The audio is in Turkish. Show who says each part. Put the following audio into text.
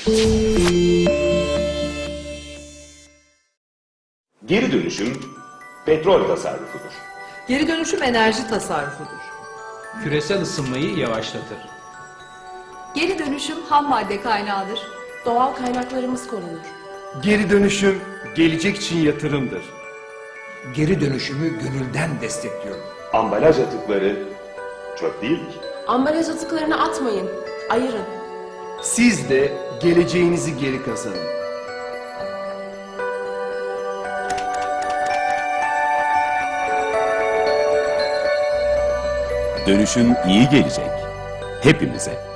Speaker 1: Geri dönüşüm petrol tasarrufudur.
Speaker 2: Geri dönüşüm enerji tasarrufudur.
Speaker 3: Küresel ısınmayı yavaşlatır.
Speaker 4: Geri dönüşüm ham madde kaynağıdır. Doğal kaynaklarımız korunur.
Speaker 5: Geri dönüşüm gelecek için yatırımdır.
Speaker 6: Geri dönüşümü gönülden destekliyorum.
Speaker 1: Ambalaj atıkları çöp değildir.
Speaker 4: Ambalaj atıklarını atmayın, ayırın.
Speaker 5: Siz de geleceğinizi geri kazanın.
Speaker 7: Dönüşüm iyi gelecek. Hepimize.